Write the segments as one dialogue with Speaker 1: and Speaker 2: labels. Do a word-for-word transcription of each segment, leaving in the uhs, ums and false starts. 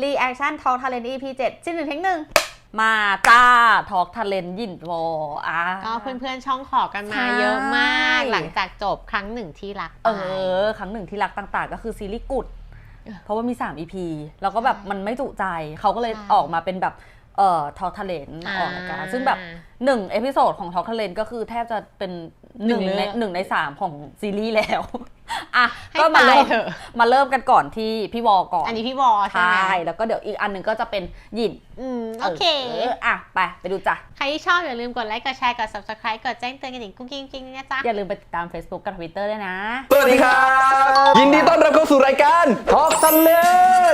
Speaker 1: Reaction Talk Talent อี พี เจ็ด ชิ้นหนึ่งเทคหนึ่ง
Speaker 2: มาจ้า Talk Talent ยินวออ่ะ
Speaker 3: ก็เพื่อนๆช่องขอกันมาเยอะมากหลังจากจบครั้งหนึ่งที่รัก
Speaker 2: เออครั้งหนึ่งที่รักต่างๆก็คือซีรีส์กุดเพราะว่ามีสาม อี พี แล้วก็แบบมันไม่จุใจเขาก็เลยออกมาเป็นแบบเอ่อ Talk Talent ออกรายการซึ่งแบบหนึ่งเอพิโซดของ Talk Talent ก็คือแทบจะเป็นหนึ่งในหนึ่งในสามของซีรีส์แล้วอ่ะก็มาเริ่มมาเริ่มกันก่อนที่พี่วอก่อน
Speaker 3: อันนี้พี่วอใช่ไหม
Speaker 2: ใช่แล้วก็เดี๋ยวอีกอันหนึ่งก็จะเป็นหยิน
Speaker 3: อืมโอเค
Speaker 2: อ่ะไปไปดูจ้ะ
Speaker 3: ใครที่ชอบอย่าลืมกดไลค์กดแชร์กด Subscribe กดแจ้งเตือนกันอีกกุ้งกิ้งกิ้งนะจ๊ะ
Speaker 2: อย่าลืมไปติดตาม Facebook กับ Twitter ด้วยนะ
Speaker 4: สวัสดีครับยินดีต้อนรับเข้าสู่รายการ Talk Talent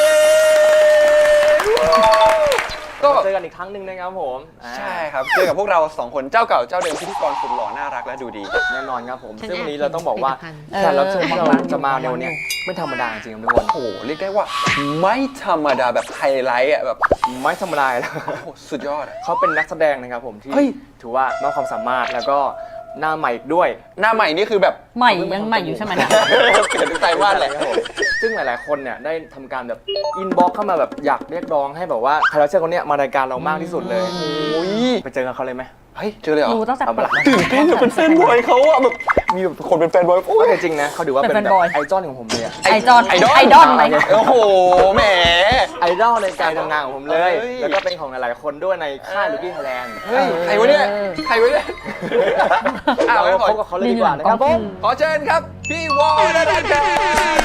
Speaker 5: ก็เจอกันอีกครั้งหนึ่งนะครับผม
Speaker 4: ใช่ครับเจอกับพวกเราสองคนเจ้าเก่าเจ้าเดิมพิธีกรสุดหล่อน่ารักและดูดี
Speaker 5: แน่นอนครับผมซึ่งวันนี้เราต้องบอกว่าแขกรับเชิญที่เราจะมาในวันนี้ไม่ธรรมดาจริงๆทุกคน
Speaker 4: โอ้โหเรียกได้ว่าไม่ธรรมดาแบบไฮไลท์อ่ะแบบ
Speaker 5: ไม่ธรรมดาแล้ว
Speaker 4: สุดยอด
Speaker 5: เขาเป็นนักแสดงนะครับผมที่ถือว่ามากความสามารถแล้วก็หน้าใหม่ด้วย
Speaker 4: หน้าใหม่นี่คือแบบ
Speaker 2: ใหม่ยังใหม่อยู่ใช่ไหมเนี่ย
Speaker 4: เปลี่ยนทุกไตรมาสเลย
Speaker 5: ซึ่งหลายๆคนเนี่ยได้ทำการแบบอินบ็อกเข้ามาแบบอยากเรียกร้องให้แบบว่าใครเราเชื่อคนเนี้ยมารายการเรามากที่สุดเลย
Speaker 4: โอ้ย
Speaker 5: ไปเจอกับเขาเลยไหม
Speaker 4: เฮ้ยเจอเลยเหรอ
Speaker 2: รู้ตั้งแต่
Speaker 4: ตื่นเต้นเป็นแฟนบอยเขาอะแบบมีแบบคนเป็นแฟนบอยโอ้ย
Speaker 5: จริงนะเขาถือว่าเป็นแบบไอดอลของผมเลย
Speaker 2: ไอดอลไอดอลไอดอลไหม
Speaker 4: โอ้โหแหม
Speaker 5: ไอดอลในการทำงานของผมเลยแล้วก็เป็นของหลายๆคนด้วยในค่ายลูกี้ไทยแลนด์
Speaker 4: เฮ้ยใครวะเนี่ยใครวะเนี่ย
Speaker 5: เราพบกับเขาเลยดีกว่านะครับผม
Speaker 4: ขอเชิญครับพี่วอลนันท์ครับ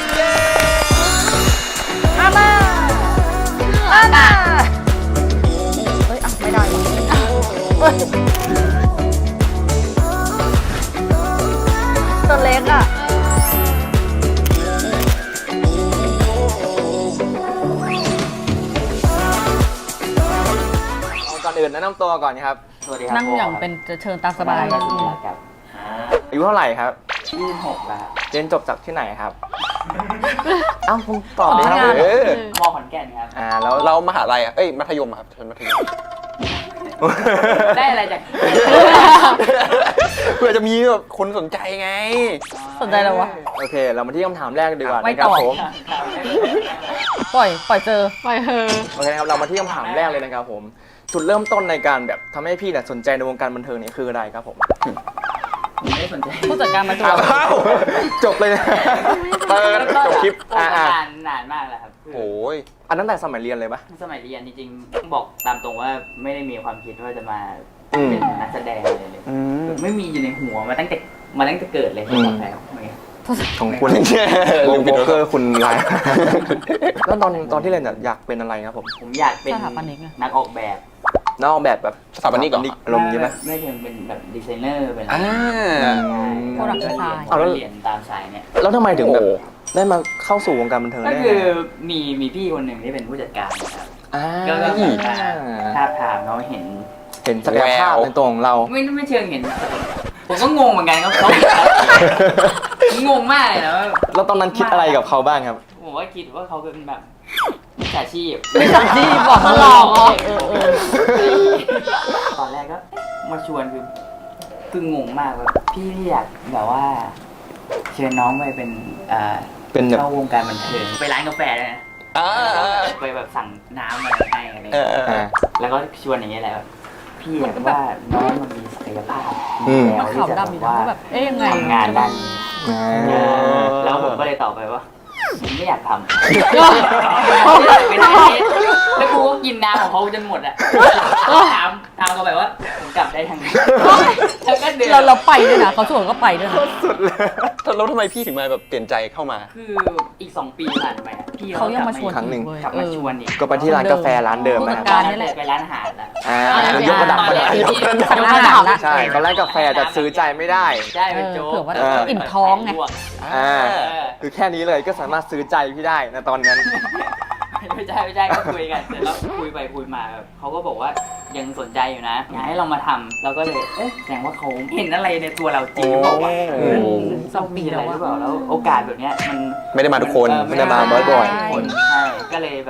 Speaker 2: อามาอามาเฮ้ยอ่ะไม่ได้ตัวเล็กอ่ะ
Speaker 5: ก่อนอื่นแนะนำตัวก่อนครับ
Speaker 2: สวัสดีครับนั่งอย่างเป็นเชิญตามสบาย
Speaker 5: ครับอายุเท่าไหร่ครับ
Speaker 6: ยี่สิบหกแล้ว
Speaker 5: เรียนจบจากที่ไหนครับเอ้าผมตอบเลยครับ
Speaker 6: ม.ขอนแก่นครับ
Speaker 4: อ่าแล้วเรามหาลัยอ่ะเอ้ยมัธยมครับเชิญมัธยม
Speaker 6: ได้อะไรจาก
Speaker 4: เพื่อจะมีแบบคนสนใจไง
Speaker 2: สนใจแล้ววะ
Speaker 5: โอเคเรามาที่คำถามแรกดีกว่านะครับผม
Speaker 2: ปล่อยปล่อยเจอ
Speaker 3: ปล่อยเฮอ
Speaker 5: โอเคครับเรามาที่คำถามแรกเลยนะครับผมจุดเริ่มต้นในการแบบทำให้พี่เนี่ยสนใจในวงการบันเทิงนี่คืออะไรครับผม
Speaker 6: ไม่ได้สนใจ
Speaker 2: ผู้จัดการมาดู
Speaker 5: จบเลยนะ
Speaker 4: เปิดจบคลิป
Speaker 6: อ่านนานมากแล้วครับ
Speaker 4: โอ้ย
Speaker 5: อันตั้งแต่สมัยเรียนเลยปะ
Speaker 6: สมัยเรียนจริงๆต้องบอกตามตรงว่าไม่ได้มีความคิดว่าจะมาเป็นนักแสดงอะไรเลยไม่มีอยู่ในหัวมาตั้งแต่มาตั้งแต่เกิดเลยที่บอกแล้ว
Speaker 5: ของคุณวงโบเกอร์คุณไลน์แล้วตอนตอนที่เรียนอยากเป็นอะไรครับผม
Speaker 6: ผมอยากเป็นนักออกแบบ
Speaker 5: นักออกแบบแบบ
Speaker 4: สถาปนิก
Speaker 5: อารมณ์ใช่ไหม
Speaker 6: ไม่เพียงเป็นแบบดีไซเนอร์เป็นอะไร
Speaker 2: โปรดักต์ดีไซน์
Speaker 6: เอาแล้วเรียนตามสายเนี่ย
Speaker 5: แล้วทำไมถึงแบบได้มาเข้าสู่วงการบันเทิงได้
Speaker 6: ก็คือมีมีพี่คนหนึ่งที่เป็นผู้จัดการนะครับก็ก็ท้าทามเขาเห็น
Speaker 5: เห็นศักยภาพในตัวของเรา
Speaker 6: ไม่ไม่เชิงเห็นผมก็งงเหมือนกันครับเขางงมากเลยนะ
Speaker 5: แล้วตอนนั้นคิดอะไรกับเขาบ้างครับ
Speaker 6: ผมว่าคิดว่าเขาเป็นแบบมิจฉาชีพ
Speaker 2: มิจฉาชีพบอกมาหลอก
Speaker 6: ตอนแรกก็มาชวนคือคืองงมากแบบพี่อยากแบบว่าเชิญน้องไปเป็นอ่า
Speaker 5: เป็น
Speaker 6: เข้าวงการบันเทิงไปร้านกาแฟเลยนะไปแบบสั่งน้ำมาให้อะไรแล้วก็ชวนอย่างเงี้ยแหละพี่อยากว่าน้องมันมีศักยภาพ
Speaker 2: แล้วที่จะแบบว่าเอ๊ะยังไง
Speaker 6: ทำงานด้านแล้วผมก็เลยตอบไปว่าไม่อยากทำไม่ได้แล้วกูก็กินน้ำของเขาจนหมดอ่ะถามถามเขาแบบว่าผมกลับได้ทางไหน
Speaker 2: เราเราไปด้วยนะเขาชวนก็ไปด้วยนะ
Speaker 4: สุดเลยแล้วทำไมพี่ถึงมาแบบเปลี่ยนใจเข้ามา
Speaker 6: คืออีกสองปีผ่านไปพี่
Speaker 2: เขายังมาชวน
Speaker 5: ครั้งหนึ่ง
Speaker 6: กลับมาชวนอีก
Speaker 5: ก็ไปที่ร้านกาแฟร้านเดิม
Speaker 2: นะครับ
Speaker 6: ไปร้านอาหารแล้ว
Speaker 5: อ่ายกระดับมาเลย
Speaker 2: ยกระดับแล้ว
Speaker 5: ใช่ตอนแรกกาแฟจะซื้อใจไม่ได้
Speaker 6: ใช่เป็นโจ๊ก
Speaker 2: เผื่อว่าอิ่มท้องไง
Speaker 5: อ่าคือแค่นี้เลยก็สามารถซื้อใจพี่ได้ในตอนนั้น
Speaker 6: ไม่ใช่ไม่ใช่ก็คุยกันเสร็จแล้วคุยไปคุยมาเขาก็บอกว่ายังสนใจอยู่นะอยากให้เรามาทำเราก็เลยเอ๊ะแสดงว่าเขาเห็นอะไรในตัวเราจริงหรือเปล่าวะสองปีอะไรหรือเปล่าแล้วโอกาสแบบเนี้ยมัน
Speaker 4: ไม่ได้มาทุกคนไม่ได้มาบ่อย
Speaker 6: ๆคนใช่ก็เลยแบบโอ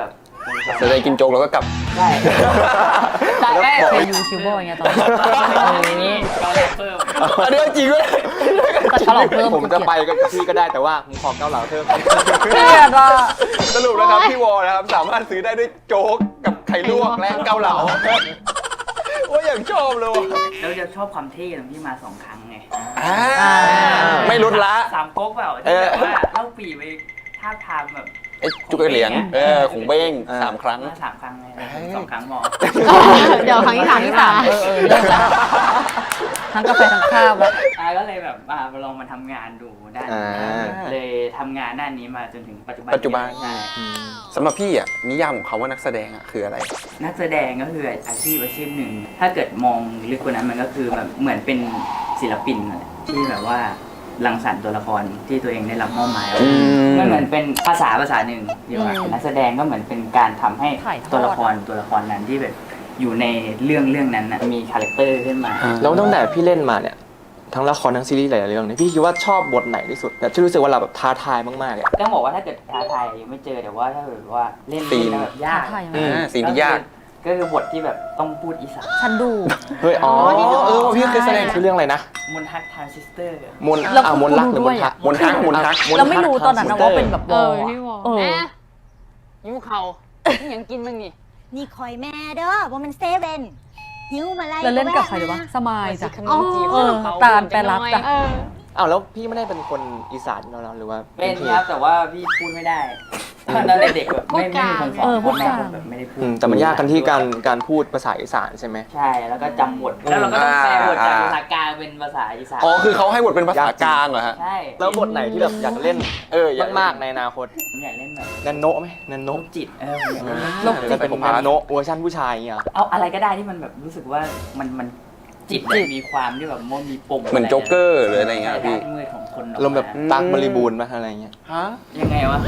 Speaker 4: จะได้กินโจ๊กแล้วก็กลับ
Speaker 6: ใช่แต่แม่
Speaker 2: เป็นยูทูบเบอร์ไงตอนนี้
Speaker 6: นี่ก็เลยเพิ่ม
Speaker 4: อันนี้จริงด้วย
Speaker 2: แต่ฉลองเพิ่ม
Speaker 5: ผมจะไปกับพี่ก็ได้แต่ว่าผมขอเกาเหลาเพิ่ม
Speaker 2: เครียดว่ะ
Speaker 4: สรุปนะครับพี่วอนะครับสามารถซื้อได้ด้วยโจ๊กกับไข่ลวกและเกาเหลาโอ้ยอย่างชอบเลยว่ะ
Speaker 6: แล้วจะชอบความเท่ตรงที่มาสองครั้งไง
Speaker 4: อ่าไม่ลดละ
Speaker 6: สามก๊กเปล่า
Speaker 4: เอ
Speaker 6: ที่
Speaker 4: อ
Speaker 6: แบบว่าเล่าปีไปท่าบทามแบบ
Speaker 4: ไอ้จุกไอ้เหรียญเออของเบ้งสามครั้ง
Speaker 6: มาสามครั้งเลยสองครั้งหมอ
Speaker 3: เดี๋ยวครั้งที่สามที่สาม
Speaker 2: เออเออเลิกแล้วทั้งกาแฟทั้งข้าวแล้ว
Speaker 6: อ่าก็เลยแบบอ่าลองมาทำงานดูด้านนี้
Speaker 4: อ่า
Speaker 6: เลยทำงานด้านนี้มาจนถึงปัจจุบัน
Speaker 4: ปัจจุบัน
Speaker 6: ใช่
Speaker 4: สำหรับพี่อ่ะนิยามของเขาว่านักแสดงอ่ะคืออะไร
Speaker 6: นักแสดงก็คืออาชีพอาชีพหนึ่ง ถ้าเกิดมองลึกกว่านั้นมันก็คือแบบเหมือนเป็นศิลปินนั่นแหละที่แบบว่ารังสรรค์ตัวละครที่ตัวเองได้รับมอบหมายไว้
Speaker 4: อืม
Speaker 6: มันเหมือนเป็นภาษาภาษาหนึ่งดีกว่านักแสดงก็เหมือนเป็นการทำให้
Speaker 2: ถ่ายทอด
Speaker 6: ตัวละครตัวละครนั้นที่แบบอยู่ในเรื่องเรื่องนั้นนะมีคาแรคเตอร์ขึ้นมา
Speaker 5: แล้วตั้งแต่พี่เล่นมาเนี่ยทั้งละครทั้งซีรีส์หลายๆเรื่องเนี่ยพี่คิดว่าชอบบทไหนที่สุดแบบที่รู้สึกว่าเราแบบท้าทายมากๆเลยอะ
Speaker 6: ต้องบอกว่าถ้าเกิดท้าทายยังไม่เจอแต่ว่าถ้าเกิดว่าเล่น
Speaker 4: ตีน
Speaker 6: แล้วแบบยาก
Speaker 2: ถ่ายยังไง
Speaker 4: อ่าสิ่งที่ยาก
Speaker 6: ก็คือบทที่แบบต้องพูดอีสาน
Speaker 2: ฉันดู
Speaker 5: เฮ้ยอ๋อเออว่าพี่เคยแสดงคือเรื่องอะไรนะ
Speaker 6: มนทักทรานซิสเตอร์
Speaker 5: มน
Speaker 2: แล้ว
Speaker 5: อ่ามนรักหรือ
Speaker 2: ด้
Speaker 5: ม
Speaker 2: วย
Speaker 5: น
Speaker 2: อะ
Speaker 5: ทัก
Speaker 4: มนทักมนทัก
Speaker 2: เราไม่รู้ตอนนั้นนะว่าเป็นแบบ
Speaker 3: เอ
Speaker 2: วอ
Speaker 3: อ
Speaker 2: ล
Speaker 3: พี่วอ
Speaker 2: เออ
Speaker 3: แม่
Speaker 7: หิวเขาอิหยังกินบ้างนี่
Speaker 8: นี่คอยแม่เด้อว่ามันเซเว่นหิวมาไล่
Speaker 2: แล้วเล่นกับใครหรือวะสมายจ้ะ
Speaker 7: ขนมจีบ
Speaker 2: เออ
Speaker 7: เขา
Speaker 2: ตาลแปรรักจ้ะ
Speaker 3: เออ
Speaker 5: อ้าวแล้วพี่ไม่ได้เป็นคนอีสานเราหรือว่า
Speaker 6: เป็นครับแต่ว่าพี่พูดไม่ได้ตอนเด็กๆแบบไม่ไม่มีคนสอน
Speaker 2: เออพูดกลาง
Speaker 6: พ่อแม่แบบไม่ได้พูด
Speaker 5: อืมแต่มันยากกันที่การการพูดภาษาอีสานใช่ไหม
Speaker 6: ใช่แล้วก็จำบทแล้วเราก็ต้องแปลบทจากภาษากลางเป็นภาษาอีสาน
Speaker 4: อ๋อคือเขาให้บทเป็นภาษากลางเหรอฮะ
Speaker 6: ใช่
Speaker 5: แล้วบทไหนที่แบบอยากเล่น
Speaker 4: เอออยาก
Speaker 5: มากๆในอนาคต
Speaker 6: ผมอยากเล่นแบบ
Speaker 5: นันโนไหมนันโน
Speaker 6: โรคจิตเออผมอยากเล่น
Speaker 2: โรคจิต
Speaker 5: จะเป็นนันโนเวอร์ชันผู้ชายอย่างเงี้ยเหรอ
Speaker 6: เอาอะไรก็ได้ที่มันแบบรู้สึกว่ามันมันจิตแบบมีความที่แบบมันมีปม
Speaker 4: เหมือนโจ๊กเกอร์หรืออะไรเงี้ย
Speaker 6: ด้า
Speaker 4: พี่
Speaker 6: นมืดของคนออก
Speaker 5: ลมณ์แบบ
Speaker 6: มา
Speaker 5: ตักบริบูรณ์ป่ะอะไรเงี้ย
Speaker 4: ฮะ
Speaker 6: ยังไงวะ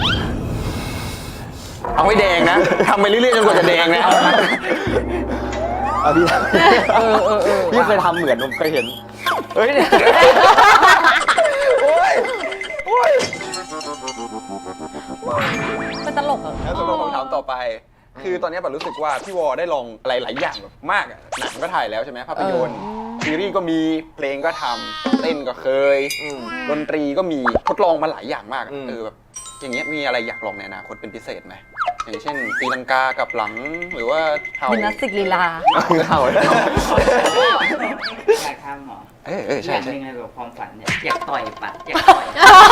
Speaker 4: เอาไม่แดงนะทำไปเรื่อยๆจนกว่าจะแดงนะ
Speaker 5: เอาพี่
Speaker 2: เออเออเออ
Speaker 5: พี่เคยทำเหมือนผมเคยเห็นเฮ้ยเนี่ยโอ้ยโอ้ย
Speaker 2: เป็นตลกเหรอ
Speaker 4: แล้วสำหรับคำถามต่อไป คือตอนนี้แบบรู้สึกว่าพี่วอได้ลองอะไรหลายอย่างแบบมากอะหนังก็ถ่ายแล้วใช่ไหมภาพยนตร์ซีรีส์ก็มีเพลงก็ทำเต้นก็เคย
Speaker 5: อืม
Speaker 4: ดนตรีก็มีทดลองมาหลายอย่างมากอะ
Speaker 5: อืม
Speaker 4: เออแบบอย่างเงี้ยมีอะไรอยากลองในอนาคตเป็นพิเศษไหมอย่างเช่นตีลังกากับหลังหรือว่าเท้า
Speaker 2: ยิมนาสติกลีลา
Speaker 5: เอาเข้าเลย
Speaker 6: อยากทำเหรอ
Speaker 4: เออเออ
Speaker 6: อ
Speaker 4: ใช่
Speaker 6: ย่างห
Speaker 4: ใช่
Speaker 6: นึงเลยแบบความฝันเนี่ยอยากต่อยปัดอยากต่อย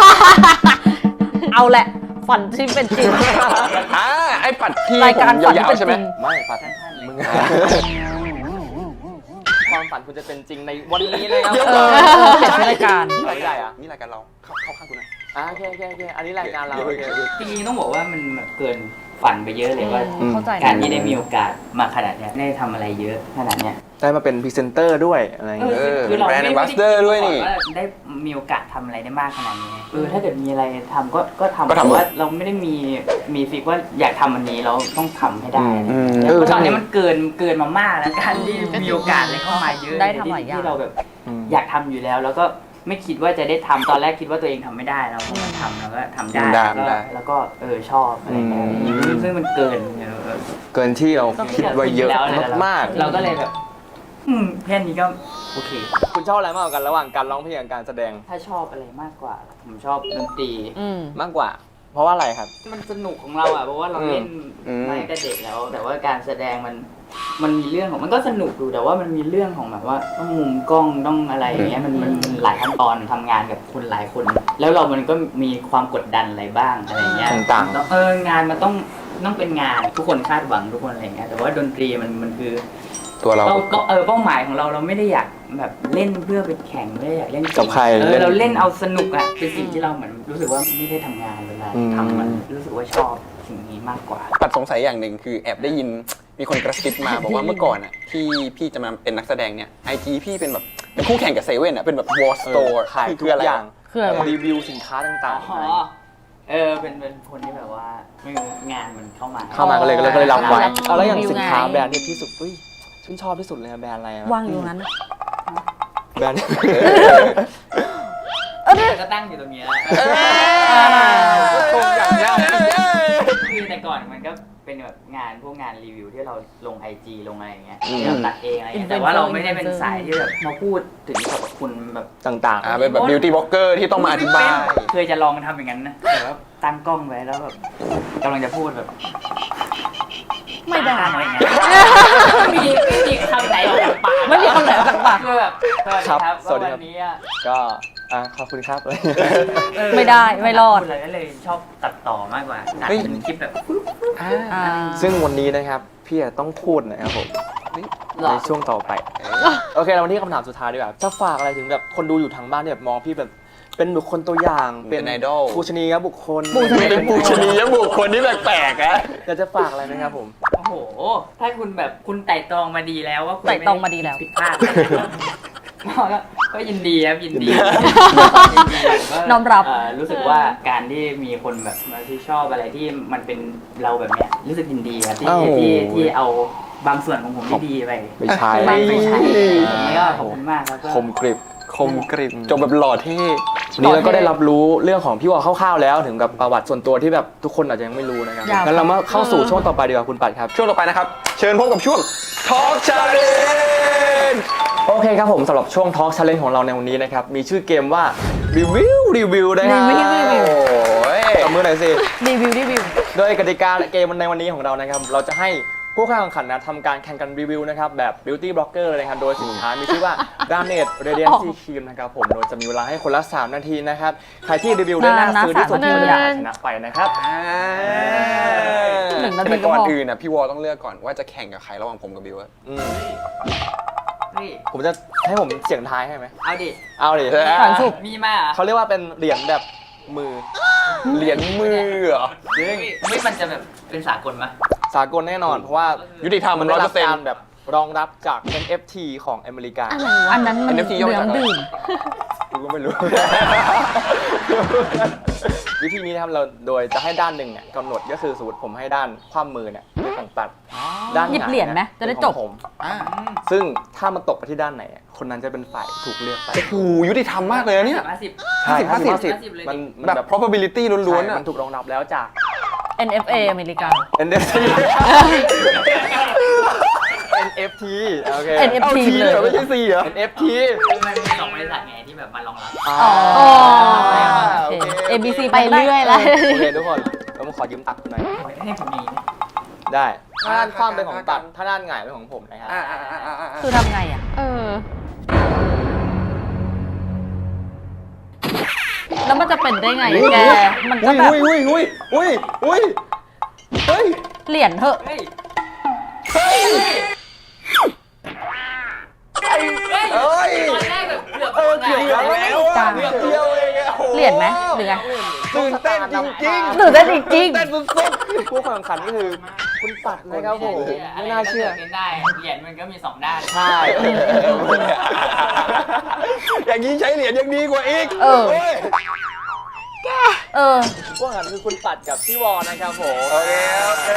Speaker 2: เอาแหละฝันที่เป็นจริง
Speaker 4: อ่าไอ้ปัดที่
Speaker 2: รายการ
Speaker 4: ผม
Speaker 2: ฝันที่
Speaker 4: ยาว
Speaker 2: เป็น
Speaker 4: ๆใช่ไหม
Speaker 2: จริง
Speaker 5: ไม่ปัด
Speaker 6: สั้นๆเลย
Speaker 5: มึงความฝันคุณจะเป็นจริงในวันนี้เลยครับ
Speaker 2: เออเปลี่ยนชื่อรายการ
Speaker 5: ไม่ได้อะ
Speaker 4: นี่รายการเราเข้าเข้าข้างกูหน่อย
Speaker 5: อ่าโอเคโอเคโอเคอันนี้รายการเรา
Speaker 4: เดี๋ยว
Speaker 5: โอเค
Speaker 4: เดี๋ยว
Speaker 6: จริงๆต้องบอกว่ามันแบบเกินฝันไปเยอะเลยว่า
Speaker 2: เข้าใจนะ
Speaker 6: การที่ได้มีโอกาสมาขนาดเนี้ยได้ทำอะไรเยอะขนาดเนี้ย
Speaker 5: ได้มาเป็นพรีเซนเตอร์ด้วยอะไรอย่างเงี้ย
Speaker 4: เออ
Speaker 6: คือเรา
Speaker 4: แบรนด์
Speaker 6: ไม่
Speaker 4: Ambassador ด้วยนี่
Speaker 6: ว่าได้มีโอกาสทำอะไรได้มากขนาดนี้เออถ้าเกิดมีอะไรทำก็ก็ทำ
Speaker 4: ก็ทำ
Speaker 6: แต่ว่าเราไม่ได้มีมีฟิกว่าอยากทำอันนี้เราต้องทำให้ได้
Speaker 5: อืม
Speaker 6: แล้ว
Speaker 5: เออ
Speaker 6: ตอนนี้
Speaker 5: ทำ
Speaker 6: มันเกินเกินมามากแล้วการที่มีโอกาสอะไรเข้ามาเยอะ
Speaker 2: ได้ทำหลายอย่าง
Speaker 6: ที่เราแบบ
Speaker 5: อืม
Speaker 6: อยากทำอยู่แล้ว แล้วก็ไม่คิดว่าจะได้ทำตอนแรกคิดว่าตัวเองทำไม่ได้เราก็มาทำแล้วก็ทำได้
Speaker 4: ได้
Speaker 6: แล้วก็
Speaker 4: ได้
Speaker 6: แล้วก็เออชอบอะไรเงี้ย
Speaker 5: อืม
Speaker 6: ซึ่งมันเกินเออ
Speaker 5: เกินที่เราคิดไว้เยอะมาก
Speaker 6: เราก็เลยแบบอืมแค่นี้ก็โอเค
Speaker 5: ๆคุณชอบอะไรมากกว่ากันระหว่างการร้องเพลงกับการแสดง
Speaker 6: ถ้าชอบอะไรมากกว่า ผมชอบดนตรี
Speaker 2: อืม
Speaker 5: มากกว่า เพราะว่าอะไรครับ
Speaker 6: มันสนุกของเราอ่ะเพราะว่าเราเล่น
Speaker 4: อืม
Speaker 6: มาตั้งแต่เด็กแล้ว แต่ว่าการแสดงมันมันมีเรื่องของมันก็สนุกดูแต่ว่ามันมีเรื่องของแบบว่าต้องมุมกล้องต้องอะไรอย่างเงี้ยมันมันมันหลายขั้นตอนทำงานกับคนหลายคน แล้วเรามันก็มีความกดดันอะไรบ้างอะไรเงี้ย
Speaker 5: ต่างๆ
Speaker 6: แล้วเอองานมันต้องต้องเป็นงานทุกคนคาดหวังทุกคนอะไรเงี้ยแต่ว่าดนตรีมันมันคือ
Speaker 4: ตัวเรา
Speaker 6: เป้าเป้าเออเป้าหมายของเราเราไม่ได้อยากแบบเล่นเพื่อไปแข่งไม่ได้อยากเล่น
Speaker 5: กับใคร
Speaker 6: เอ
Speaker 5: เล่
Speaker 6: อน เราเล่นเอาสนุกอ่ะเป็นสิ่งที่เราเหมือนรู้สึกว่าไม่ได้ทำงานเวลา
Speaker 5: อืม
Speaker 6: ทำมันรู้สึกว่าชอบสิ่งนี้มากกว่า
Speaker 4: ปัดสงสัยอย่างหนึ่งคือแอบได้ยินมีคนกระซิบมาบอกว่าเมื่อก่อนอ่ะที่พี่จะมาเป็นนักแสดงเนี่ยไอจีพี่เป็นแบบเป็นคู่แข่งกับเซเว่นอ่ะเป็นแบบวอลสโตร์
Speaker 5: ขาย
Speaker 4: คือ
Speaker 5: ทุ
Speaker 4: คื
Speaker 5: ก
Speaker 4: ออะไร
Speaker 5: อย่าง
Speaker 2: คืออะไรวะ
Speaker 5: รีวิวสินค้าต่าง
Speaker 6: อ๋อเออเป็นเป็นคนที่แบบว่าไม่รู้งานมันเข้ามา
Speaker 5: ๆ เข้ามาก็เลยก็เลยก็เลยรับไว้
Speaker 2: รับ
Speaker 5: เอาแล้วอย่าง
Speaker 2: รีวิว
Speaker 5: สินค้า
Speaker 2: ไง
Speaker 5: แบรนด์ที่พี่สุดอุ้ยชื่นชอบที่สุดเลยอะแบรนด์อะไรอะ
Speaker 2: วางอยู่ตรงนั้น
Speaker 5: แบรนด์
Speaker 6: แต่ก็ตั้งอยู่ตรงนี้แล้ว
Speaker 5: ชมอย่างยาก
Speaker 6: คือแต่ก่อนมันก็เป็นเป็นแบบงานพวกงานรีวิวที่เราลง ไอ จี ลงอะไรอย่างเงี้ย
Speaker 5: อืม
Speaker 6: ที่เราตัดเองอะไรเงี้ยแต่ว่าเราไม่ได้เป็นสายที่แบบมาพูดถึงสรรพคุณแบบ
Speaker 5: ต่าง
Speaker 4: อ่าเป็นแบบ beauty blogger ที่ต้องมาอธิบาย
Speaker 6: เคยจะลองทำอย่างนั้นนะแต่ว่าตั้งกล้องไว้แล้วแบบกำลังจะพูดแบบ
Speaker 2: ไม่ได้
Speaker 6: อะไรเงี้ยไม่มีไม่มีคำไหนออกจากปาก
Speaker 2: ไม่มีคำไหนออกจากปาก
Speaker 6: คือแบบสวัสดีครับ
Speaker 5: ครับสวัสดีครับ
Speaker 6: วันนี้อะ
Speaker 5: ๆ ก็อ่ะขอบคุณครับ
Speaker 6: เออ
Speaker 2: ไม่ได้ไม่รอด
Speaker 6: พูอะไรก็เลยชอบตัดต่อมากกว่าตัด
Speaker 4: เฮ้ย
Speaker 6: เป็นคลิปแบบ
Speaker 2: อ่า
Speaker 5: ซึ่งวันนี้นะครับพี่จะต้องพูดนะครับผม
Speaker 6: หรอ
Speaker 5: ในช่วงต่อไปโอเคเรามาที่คำถามสุดท้ายดีกว่าจะฝากอะไรถึงแบบคนดูอยู่ทางบ้านที่แบบมองพี่แบบเป็นบุคคลตัวอย่าง
Speaker 4: เป็นไอดอล
Speaker 5: ปูชนียบุคคล
Speaker 2: ปูชนีย
Speaker 4: เป็นปูชนียบุคคลที่แปลกๆอะ
Speaker 5: อยากจะฝากอะไรไหมครับผม
Speaker 6: โอ้โห ถ้าคุณแบบคุณไต่ตรองมาดีแล้วว่าคุณ
Speaker 2: ไต่ตรองมาดีแล้ว
Speaker 6: ผิดพลาดก็ก็ยินดีครับยินดี
Speaker 2: น้อมรับ
Speaker 6: เรู้สึกว่าการที่มีคนแบบมาที่ชอบอะไรที่มันเป็นเราแบบเนี้ยรู้สึกยินดีครับที่
Speaker 5: อ้าว
Speaker 6: ที่ที่เอาบางส่วนของผมที่ดีไป
Speaker 5: ไม่ใช่
Speaker 6: ไม่ไม่ใช่อย่างนี้ก็ขอบคุณมากครับก็
Speaker 5: คมกริบ
Speaker 4: คมกริบจบแบบหล่อเท่
Speaker 5: วันนี้เราก็ได้รับรู้เรื่องของพี่วอลคร่าวๆแล้วถึงกับประวัติส่วนตัวที่แบบทุกคนอาจจะยังไม่รู้นะครับ
Speaker 2: ยาว
Speaker 5: งั้นเรามาเข้าสู่ช่วงต่อไปดีกว่าคุณปัดครับ
Speaker 4: ช่วงต่อไปนะครับ เชิญพบกับช่วง Talk Challenge
Speaker 5: โอเคครับผมสำหรับช่วง Talk Challenge ของเราในวันนี้นะครับมีชื่อเกมว่ารีวิวรีวิวนะครับ
Speaker 2: รีวิวรีวิว
Speaker 4: โอ้ย
Speaker 5: ตบมือหน่อยสิ
Speaker 2: รีวิวรีวิว
Speaker 5: โดยกติกาเกมในวันนี้ของเรานะครับเราจะให้ผู้เข้าแข่งขันนะทำการแข่งกันรีวิวนะครับแบบ Beauty Blogger เลยนะครับโดยสินค้ามีชื่อว่า Garnet Radiancy Cream นะครับผมโดยจะมีเวลาให้คนละสามนาทีนะครับใครที่รีวิวได้น่าซื้อที่สุด
Speaker 2: นานนะ
Speaker 5: ก็จะได้ชนะไปนะครับ
Speaker 2: หนึ่งนาที
Speaker 4: แต่
Speaker 2: ก็
Speaker 4: ก่อน
Speaker 2: พอ
Speaker 4: อื่นนะพี่วอลต้องเลือกก่อนว่าจะแข่งกับใครระหว่างผมกับบิวอะ
Speaker 5: อืม
Speaker 6: นี่
Speaker 5: ผมจะให้ผมเสียงทายให้ไหม
Speaker 6: เอาดิ
Speaker 5: เอาดิ
Speaker 2: ฝันสุก
Speaker 6: มีมาเหรอ
Speaker 5: เขาเรียกว่าเป็นเหรียญแบบมือ
Speaker 4: เหรียญมือเหรอ
Speaker 5: จริง
Speaker 6: ไม่มันจะแบบเป็นสากลไหม
Speaker 5: สากลแน่นอน เพราะว่า
Speaker 4: ยุติธรรม
Speaker 5: มัน
Speaker 4: ร้
Speaker 5: ได้
Speaker 4: อยเป
Speaker 5: รั
Speaker 4: อบ ร์เซ็น
Speaker 5: การ
Speaker 4: ต์
Speaker 5: แบบรองรับจาก เอ็น เอฟ ที ของอเมริกา
Speaker 2: อันนั้นมัน
Speaker 4: เอ็น เอฟ ที ย่อ
Speaker 2: เห
Speaker 4: มา
Speaker 2: ลื
Speaker 4: จาก
Speaker 2: อง
Speaker 4: อะไร
Speaker 2: ดื่ม
Speaker 5: กูก็ไม่รู้ วิธีนี้นะครับเราโดยจะให้ด้านหนึ่งเนี่ยกำหนดก็คือสมมติผมให้ด้านคว่ำมือเนี่ยเป็นของปัดด้าน
Speaker 2: หยิบเหรียญไหม
Speaker 5: งาย
Speaker 2: จะได้
Speaker 5: เป็น
Speaker 2: จ
Speaker 5: ข
Speaker 2: บ
Speaker 5: องผม ซึ่งถ้ามันตกไปที่ด้านไหนอะคนนั้นจะเป็นฝ่ายถูกเลือกไป
Speaker 4: โอ้โหยุติธรรมมากเลยนะเนี่ย
Speaker 6: ห้าสิบ
Speaker 5: ใช่
Speaker 4: ห้าสิบ
Speaker 5: ห้าสิบ
Speaker 6: ห้าสิบเลย
Speaker 5: มันมัน
Speaker 4: แบบ
Speaker 5: แบบ
Speaker 4: probability ล้วนๆ
Speaker 5: ใช่
Speaker 4: อะ
Speaker 5: มันถูกรองรับแล้วจาก
Speaker 2: เอ็น เอฟ เอ อเมริกา
Speaker 5: เอ็น เอฟ ที เอ็น เอฟ ที โอเค
Speaker 2: เอ็น เอฟ ที
Speaker 4: เอา T เลยเหรอไม่ใช่ C เหรอ
Speaker 5: เอ็น เอฟ ที
Speaker 6: คือมันมีสองบริษัทไงที่แบบมารองรับ
Speaker 5: อ๋อ
Speaker 2: อ๋อ
Speaker 4: โอเค
Speaker 2: เอ บี ซี
Speaker 1: ไปเรื่อยแล้ว
Speaker 5: โอเคทุกคนเรามาขอยืมตักหน่อย
Speaker 6: ให้ผมมีนะ
Speaker 5: ได้ถ้าด้านคว่ำเป็นของตัดถ้าด้านหงายเป็นของผมนะครับ
Speaker 4: อ่าอ่าอ่าอ่าอ่า
Speaker 2: คือทำไงอ่ะ
Speaker 3: เออ
Speaker 2: แล้วมันจะเป็นได้ไงอะแก มันก็
Speaker 4: อุ้ย
Speaker 2: แบบ
Speaker 4: อุ้ยอุ้ยอุ้ยอุ้ยเฮ้ย
Speaker 2: เหรียญเถอะ
Speaker 6: เฮ้ย
Speaker 4: เฮ้ย
Speaker 6: เฮ้ย
Speaker 4: เอ้ย
Speaker 6: ตอนแรกแบบเกือบ
Speaker 4: เออเกือบแล้ว
Speaker 6: ไง
Speaker 4: อะเกือบเดียวเองอะโอ้โ
Speaker 2: เหรียญไหมหรือไง
Speaker 4: ตื่นเต้นจริงๆ
Speaker 2: ตื่นเต้นจริง
Speaker 4: เต้นสุด
Speaker 5: ผู้แข่งขันก็คือคุณปัดนะครับผมไม่น่าเชื่อ
Speaker 6: ะไรก็กิดขึ้นได้เหรียญมันก็มีสองด้าน
Speaker 5: ใช่
Speaker 4: ๆอย่างนี้ใช้เหรียญยังดีกว่าอีก
Speaker 2: เออ
Speaker 4: โย
Speaker 2: เออ
Speaker 5: ผู้แข่งขันคือคุณปัดกับพี่วอนะครับผม
Speaker 4: โอเคโอเค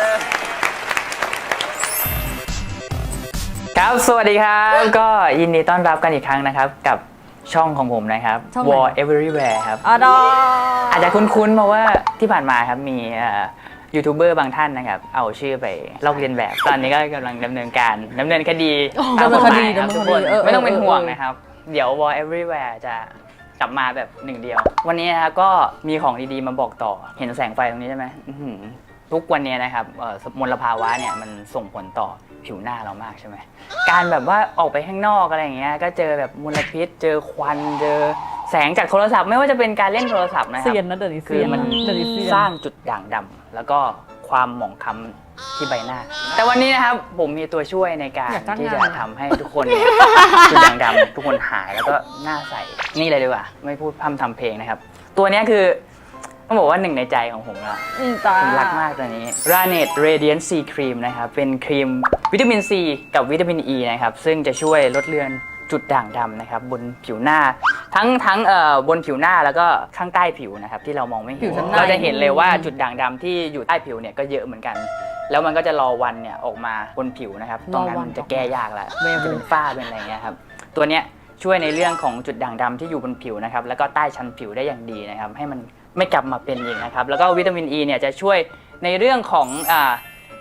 Speaker 6: ครับ สวัสดีครับ ก็ยินดีต้อนรับกันอีกครั้งนะครับ กับช่องของผมนะครับ
Speaker 2: ช่องไหน
Speaker 6: War Everywhere ครับ
Speaker 2: อะดอ
Speaker 6: อาจจะคุ้นๆเพราะว่าที่ผ่านมาครับมีเอ่อยูทูบเบอร์บางท่านนะครับ เอาชื่อไปลอกเลียนแบบ ตอนนี้ก็กำลังดำเนินการดำเนินคดีตามกฎหมายครับทุกคนไม่ต้องเป็นห่วงนะครับ เดี๋ยว War Everywhere จะกลับมาแบบหนึ่งเดียว วันนี้นะครับก็มีของดีๆมาบอกต่อเห็นแสงไฟตรงนี้ใช่ไหมอื้อหือทุกวันนี้นะครับเอ่อมลภาวะเนี่ยมันส่งผลต่อผิวหน้าเรามากใช่ไหมการแบบว่าออกไปข้างนอกอะไรอย่างเงี้ยก็เจอแบบมลพิษ เจอควันเจอแสงจากโทรศัพท์ไม่ว่าจะเป็นการเล่นโทรศัพท์นะครั
Speaker 2: เซียนนะเดี๋ยวนี้
Speaker 6: คื
Speaker 2: เซี
Speaker 6: อย
Speaker 2: น
Speaker 6: มัน
Speaker 2: เดี๋ยวนี้เซียน
Speaker 6: สร้างจุดด่างดำแล้วก็ความหมองคล้ำที่ใบหน้า แต่วันนี้นะครับผมมีตัวช่วยในการ
Speaker 2: อยากจ้าง
Speaker 6: ที่
Speaker 2: งาน
Speaker 6: จะทำให้ทุกคนเนี่ยจุดด่างดำทุกคนหายแล้วก็หน้าใสนี่เลยดีกว่าไม่พูดพร่ำทำเพลงนะครับ ตัวเนี้ยคือต้องบอกว่าหนึ่งในใจของผมละ
Speaker 2: อืมจ้า
Speaker 6: ผมรักมากตัวนี้ Garnet Radiancy Cream นะครับ เป็นครีมวิตามินซีกับวิตามินอ e ีนะครับ ซึ่งจะช่วยลดเลือนจุดด่างดำนะครับ บนผิวหน้า ทั้งทั้งเอ่อบนผิวหน้าแล้วก็ข้างใต้ผิวนะครับ ที่เรามองไม่
Speaker 2: ผิ
Speaker 6: เห็น
Speaker 2: วชั้นใน
Speaker 6: เราจะเห็นเลยว่าจุดด่างดำที่อยู่ใต้ผิวเนี่ยก็เยอะเหมือนกัน แล้วมันก็จะรอวันเนี่ยออกมาบนผิวนะครับ ตรงนั้นมันจะแก้ยากแล้ว
Speaker 2: เว
Speaker 6: จะ
Speaker 2: บู
Speaker 6: เป็นฝ้าเป็นอะไรเงี้ยครับ ตัวเนี้ยช่วยในเรื่องของจุดด่างดำที่อยู่บนผิวนะครับ แล้วก็ใต้ชั้นผิวได้อย่างดีนะครับ ให้มันไม่กลับมาเป็นอีกนะครับ แล้วก็วิตามินอ e ีเนี่ยจะช่วยในเรื่องของอ่า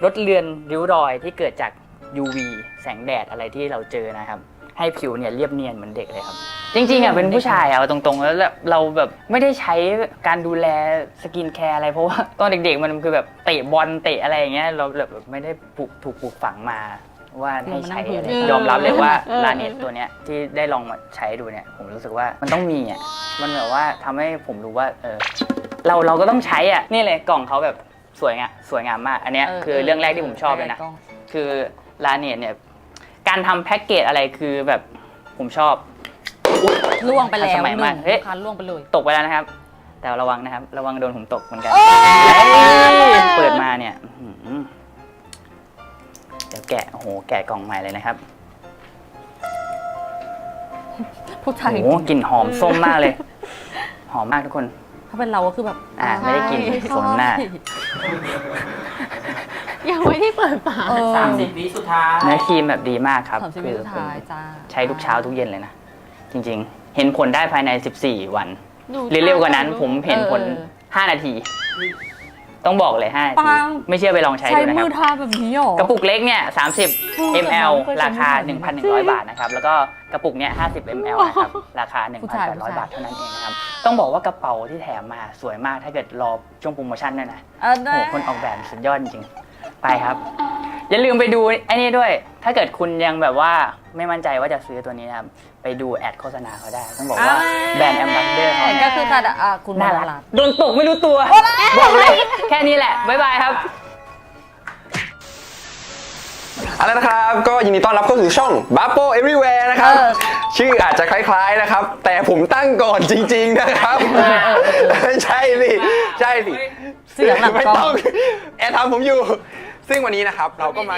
Speaker 6: ลดเลือนริ้วรอยที่เกิดจาก ยู วี แสงแดดอะไรที่เราเจอนะครับให้ผิวเนี่ยเรียบเนียนเหมือนเด็กเลยครับจริงๆอ่ะเป็นผู้ชายอ่ะเอาตรงๆแล้วเราแบบไม่ได้ใช้การดูแลสกินแคร์อะไรเพราะว่าตอนเด็กๆมันคือแบบเตะบอลเตะอะไรอย่างเงี้ยเราแบบไม่ได้ปลูกถูกปลูกฝังมาว่าให้ใช้อะไรยอมรับเลยว่าลาเนตตัวเนี้ยที่ได้ลองมาใช้ดูเนี่ยผมรู้สึกว่ามันต้องมีอ่ะมันแบบว่าทำให้ผมรู้ว่าเออเราเราก็ต้องใช้อ่ะนี่เลยกล่องเขาแบบสวยงามสวยงามมากอันเนี้ยคือเรื่องแรกที่ผมชอบเลยนะคือลาเนตเนี่ยการทำแพ็กเกจอะไรคือแบบผมชอบ
Speaker 2: ล่วงไปแล้ว
Speaker 6: สมัย
Speaker 2: หนึ่
Speaker 6: มาง เฮ้ย
Speaker 2: คันล่วงไปเลย
Speaker 6: ตกไปแล้วนะครับ แต่ระวังนะครับ ระวังโดนผมตกเหมือนกันเปิดมาเนี่ยเดี๋ยวแกะโอ้โหแกะกล่องใหม่เลยนะครับ
Speaker 2: ผู้ชาย
Speaker 6: โอ้โหกลิ่นหอมส้มมากเลย หอมมากทุกคน
Speaker 2: ถ้าเป็นเราก็คือแบบ
Speaker 6: อ่าไม่ได้กินสมหน้า
Speaker 3: ยังไม่ได้เปิดฝา
Speaker 6: สามสิบวิสุดท้ายเนื้อครีมแบบดีมากครับ
Speaker 2: สามสิบวิสุดท้ายจ้า
Speaker 6: ใช้ทุกเช้าทุกเย็นเลยนะ จริงๆ เห็นผลได้ภายในสิบสี่วันหรือเร็วกว่านั้นผมเห็นผลห้านาที ต้องบอกเลยห้านาทีไม่เชื่อไปลองใช้
Speaker 2: ใช้
Speaker 6: ดูนะค
Speaker 2: มื
Speaker 6: รั
Speaker 2: อบ ทาแบบนี้หรอก
Speaker 6: ระปุกเล็กเนี่ยสามสิบ
Speaker 2: แต่
Speaker 6: มล
Speaker 2: ไม่เคย
Speaker 6: ราคา
Speaker 2: ใช้
Speaker 6: หนึ่งพันหนึ่งร้อย บาทนะครับ แล้วก็กระปุกเนี้ยห้าสิบมลนะครับ ราคา หนึ่งพันแปดร้อย บาทเท่านั้นเองนะครับ ต้องบอกว่ากระเป๋าที่แถมมาสวยมากถ้าเกิดรอช่วงโปรโมชั่นด้วยนะ
Speaker 2: เออ
Speaker 6: โอ้
Speaker 2: ได้
Speaker 6: โหคนออกแบบสุดยอดจริงๆไปครับ อย่าลืมไปดูไอ้นี่ด้วย ถ้าเกิดคุณยังแบบว่าไม่มั่นใจว่าจะซื้อตัวนี้นะครับ ไปดูแอดโฆษณาเขาได้ ต้องบอกว่าแบรนด์แอมบาสเดอร์เขา
Speaker 2: ก็คือการอ่ะคุณ
Speaker 6: น่า
Speaker 2: น่า
Speaker 6: รั
Speaker 2: รั
Speaker 6: ก
Speaker 2: ก
Speaker 6: โดนตกไม่รู้ตัว บอกเลย แค่นี้แหละ บ๊ายบายครับ
Speaker 4: เอาละนะครับ ก็ยินดีต้อนรับเข้าสู่ช่อง Bubble Everywhere นะครับ ชื่ออาจจะคล้ายๆนะครับ แต่ผมตั้งก่อนจริงๆนะครับไม่ใช่สิใช่สิ
Speaker 2: เสียงหลัง
Speaker 4: ไม่
Speaker 2: กล้อง
Speaker 4: ต้องแอร์ทำผมอยู่ ซึ่งวันนี้นะครับเราก็มา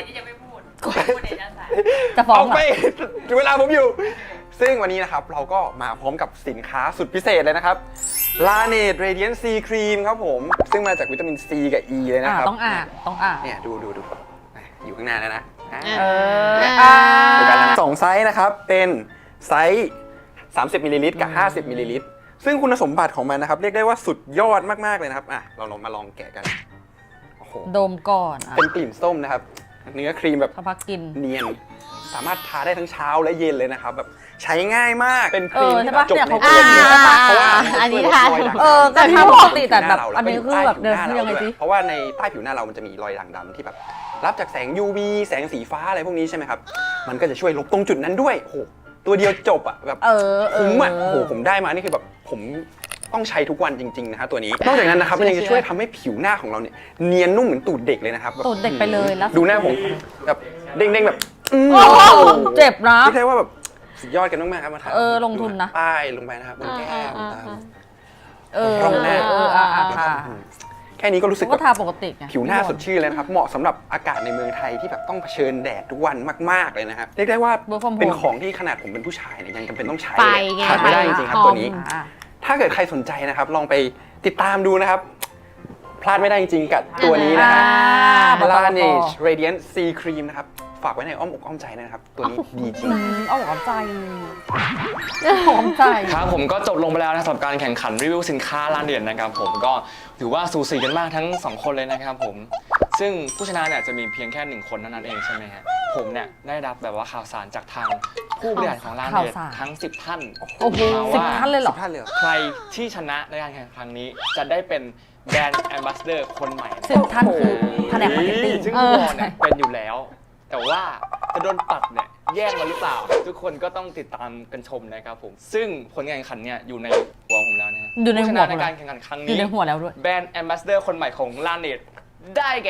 Speaker 2: จะฟ้อ
Speaker 4: อง อก
Speaker 2: เหร
Speaker 4: ไป
Speaker 2: อ
Speaker 4: เวลาผมอยู่ ซึ่งวันนี้นะครับเราก็มาพร้อมกับสินค้าสุดพิเศษเลยนะครับ Laneige Radiant C Cream ครับผม ซึ่งมาจากวิตามิน C กับ E เลยนะ
Speaker 2: อ่า
Speaker 4: ครับ
Speaker 2: ต้องอ่านต้องอ่าน
Speaker 4: เนี่ยดูดูดูอยู่ข้างหน้าแล้วนะอ่า
Speaker 2: เออ
Speaker 3: อ่า
Speaker 4: ดูกันแล้วนะสองไซส์นะครับ เป็นไซส์สามสิบมิลลิลิตรกับห้าสิบมิลลิลิตรซึ่งคุณสมบัติของมันนะครับ เรียกได้ว่าสุดยอดมากๆเลยนะครับอ่ะเราลองมาลองแกะกันโอ้โห
Speaker 2: ดมก่อนอ่ะ
Speaker 4: เป็นกลิ่นส้มนะครับ เนื้อครีมแบบ
Speaker 2: สักพักกิน
Speaker 4: เนียน สามารถทาได้ทั้งเช้าและเย็นเลยนะครับแบบใช้ง่ายมากเป็นค
Speaker 2: เอ
Speaker 4: รีม
Speaker 2: อ
Speaker 4: ที่
Speaker 2: ใช่
Speaker 4: แบ
Speaker 2: ปะ
Speaker 4: บจบ
Speaker 2: เนี่ย
Speaker 4: ใน
Speaker 2: เขา
Speaker 4: ตั
Speaker 2: ก็
Speaker 4: ว
Speaker 2: อย่าง
Speaker 4: เดี
Speaker 2: นี้
Speaker 4: ยว
Speaker 2: ใช่ปะ
Speaker 4: เพราะว่า
Speaker 3: อันนี้
Speaker 4: มั
Speaker 3: ทา
Speaker 4: ช่วยลดรอยด่าง
Speaker 2: เออก็ทาปกติแต่แบบอันนี้คือแบบ
Speaker 4: ใต้
Speaker 2: เดิน
Speaker 4: ผิวห
Speaker 2: ยัง
Speaker 4: น้า
Speaker 2: ไง
Speaker 4: เรา
Speaker 2: สิ
Speaker 4: เพราะว่าในใต้ผิวหน้าเรามันจะมีรอยด่างดำที่แบบรับจากแสง ยู วี แสงสีฟ้าอะไรพวกนี้ใช่ไหมครับมันก็จะช่วยลบตรงจุดนั้นด้วยโอ้โหตัวเดียวจบอ่ะแบบ
Speaker 2: เออเออ
Speaker 4: คุ้มอ่ะโอ้โหผมได้มานี่คือแบบผมต้องใช้ทุกวันจริงๆนะครับตัวนี้นอกจากนั้นนะครับมันยังจะช่วยทำให้ผิวหน้าของเราเนี่ยเนียนนุ่มเหมือนตูดเด็กเลยนะครับแบบ
Speaker 2: ตูดเด็กไปเลยแล้ว
Speaker 4: ดูหน้าผมแบบเด้งๆแบบอืม
Speaker 2: โอ้โหเจ็บนะ
Speaker 4: ไม่ใช่ว่าแบบสุดยอดกันมากๆครับมาทา
Speaker 2: เออลงทุนนะ
Speaker 4: ป้ายลงไปนะครับบนแก้มตาม
Speaker 2: เออ
Speaker 4: ตรงหน้า
Speaker 2: เอออ่ะอ่ะ
Speaker 4: แล้วก็
Speaker 2: ค่ะ
Speaker 4: แค่นี้ก็รู้สึก
Speaker 2: ก็
Speaker 4: แบบ
Speaker 2: ทาปกติไง
Speaker 4: ผิวหน้าสดชื่นเลยนะครับเหมาะสำหรับอากาศในเมืองไทยที่แบบต้องเผชิญแดดทุกวันมากๆเลยนะครับเรียกได้ว่า
Speaker 2: Work from home
Speaker 4: เป็นของที่ขนาดผมเป็นผู้ชายเนี่ยยังจำเป็นต้องใช้
Speaker 3: ไป
Speaker 4: เลย
Speaker 3: ไง
Speaker 4: ขาดไม่ได้จริงๆครับตัวนี้
Speaker 2: อ่ะ
Speaker 4: ถ้าเกิดใครสนใจนะครับ ลองไปติดตามดูนะครับ พลาดไม่ได้จริงๆกับตัวนี้นะค
Speaker 2: อ่า
Speaker 4: รับ
Speaker 2: บอกต่อ
Speaker 4: Laneige Radiant C Cream นะครับ ฝากไว้ในอ้อมอกอ้อมใจนะครับ ตัวนี้ดีจริง
Speaker 2: อืมเอาหอมใจหอมใจ
Speaker 5: ครับผมก็จบลงไปแล้วนะสำหรับการแข่งขันรีวิวสินค้าร้านเด่นนะครับผมก็ถือว่าสูสีกันมากทั้งสองคนเลยนะครับผมซึ่งผู้ชนะเนี่ยจะมีเพียงแค่หนึ่งคนเท่านั้นเองใช่ไหมฮะผมเนี่ยได้รับแบบว่าข่าวสารจากทางผู้บริหารของร้านเด่น
Speaker 2: ข่าวสาร
Speaker 5: ทั้งสิบท่าน
Speaker 2: โอ้โห
Speaker 5: มา
Speaker 2: สิบ
Speaker 5: ว่า
Speaker 2: ท่านเลยเหรอ
Speaker 4: ท่านเลยเหรอ
Speaker 5: ใครที่ชนะในการแข่งขันครั้งนี้จะได้เป็นแบรนด์แอมบาสเดอร์คนใหม่นะ
Speaker 2: สิบท่านคือแผนกมาร์เก็ตติ้ง
Speaker 5: ซึ่งพี่วอนเนี่ยเป็นอยู่แล้ว แต่ว่าจะโดนปัดเนี่ยแย่งมาหรือเปล่า ทุกคนก็ต้องติดตามกันชมนะครับผมซึ่งผลการแข่งขันเนี่ยอยู่ในหัวผมแล้วนะฮะ
Speaker 2: อยู่ในหัว
Speaker 5: ผู้ชนะ
Speaker 2: ผม
Speaker 5: ใน
Speaker 2: เหรอ
Speaker 5: การแข่งขันครั้ง
Speaker 2: อยู่
Speaker 5: นี้
Speaker 2: ในหัวแล้วด้วย
Speaker 5: แบรนด์แอมบาสเดอร์คนใหม่ของลาเนตได้แก่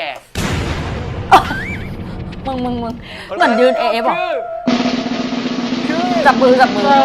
Speaker 2: มึงมึงมึงเหมือนยืนเอฟหรอ
Speaker 5: คือ
Speaker 2: จับมือจับมือ